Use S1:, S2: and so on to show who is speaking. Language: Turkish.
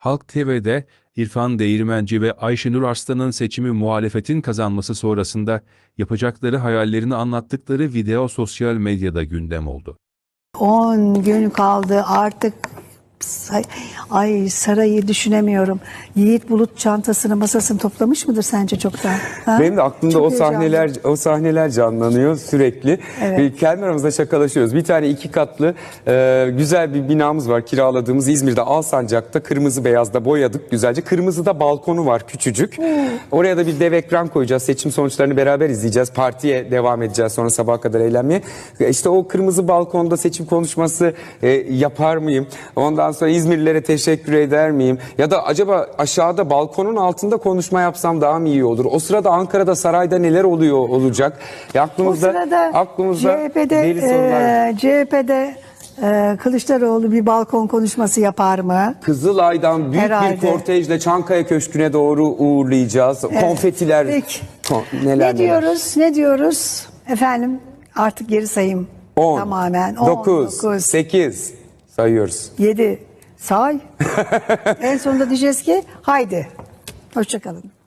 S1: Halk TV'de İrfan Değirmenci ve Ayşenur Arslan'ın seçimi muhalefetin kazanması sonrasında yapacakları hayallerini anlattıkları video sosyal medyada gündem oldu.
S2: 10 gün kaldı artık. Ay, sarayı düşünemiyorum. Yiğit Bulut çantasını, masasını toplamış mıdır sence çoktan? Ha?
S3: Benim de aklımda
S2: Çok
S3: o sahneler canlanıyor sürekli.
S2: Evet.
S3: Kendi aramızda şakalaşıyoruz. Bir tane 2 katlı güzel bir binamız var, kiraladığımız İzmir'de Alsancak'ta, kırmızı beyazda boyadık güzelce. Kırmızıda balkonu var küçücük. Oraya da bir dev ekran koyacağız. Seçim sonuçlarını beraber izleyeceğiz. Partiye devam edeceğiz sonra sabaha kadar eğlenmeye. İşte o kırmızı balkonda seçim konuşması yapar mıyım? Ondan sonra İzmirlilere teşekkür eder miyim? Ya da acaba aşağıda balkonun altında konuşma yapsam daha mı iyi olur? O sırada Ankara'da, sarayda neler olacak?
S2: O sırada
S3: deli sorular.
S2: CHP'de Kılıçdaroğlu bir balkon konuşması yapar mı?
S3: Kızılay'dan büyük
S2: Herhalde.
S3: bir kortejle Çankaya Köşkü'ne doğru uğurlayacağız.
S2: Evet.
S3: Konfetiler.
S2: Peki.
S3: Neler
S2: Ne diyoruz? Ne diyoruz? Efendim artık geri sayım
S3: 10,
S2: tamamen.
S3: 9, 8 sayıyoruz.
S2: 7 say. En sonunda diyeceğiz ki haydi. Hoşça kalın.